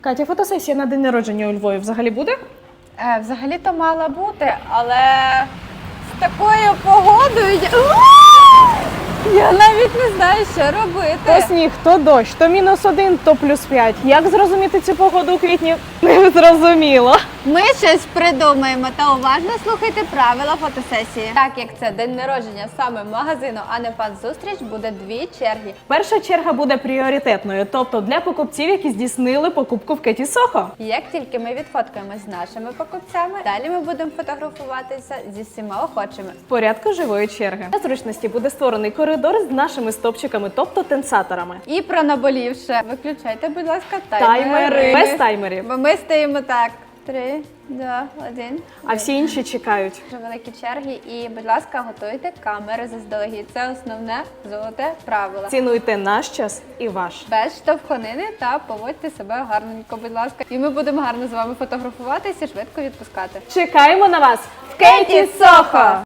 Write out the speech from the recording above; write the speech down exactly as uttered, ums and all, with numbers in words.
Катя, фотосесія на день народження у Львові взагалі буде? Е, взагалі-то мала бути, але з такою погодою я... я навіть не знаю, що робити. То сніг, то дощ, то мінус один, то плюс п'ять. Як зрозуміти цю погоду у квітні? Не зрозуміло. Ми щось придумаємо та уважно слухайте правила фотосесії. Так як це день народження саме магазину, а не фан-зустріч, буде дві черги. Перша черга буде пріоритетною, тобто для покупців, які здійснили покупку в Кеті Сохо. Як тільки ми відфоткаємось з нашими покупцями, далі ми будемо фотографуватися зі всіма охочими. В порядку живої черги. Для зручності буде створений коридор з нашими стопчиками, тобто тенсаторами. І про наболівше. Виключайте, будь ласка, таймери. Таймери. Без таймерів. Бо ми стоїмо так. Три, два, один. А всі інші чекають. Дуже великі черги і, будь ласка, готуйте камери заздалегідь. Це основне золоте правило. Цінуйте наш час і ваш. Без штовханини та поводьте себе гарненько, будь ласка. І ми будемо гарно з вами фотографуватися і швидко відпускати. Чекаємо на вас в Кеті Сохо!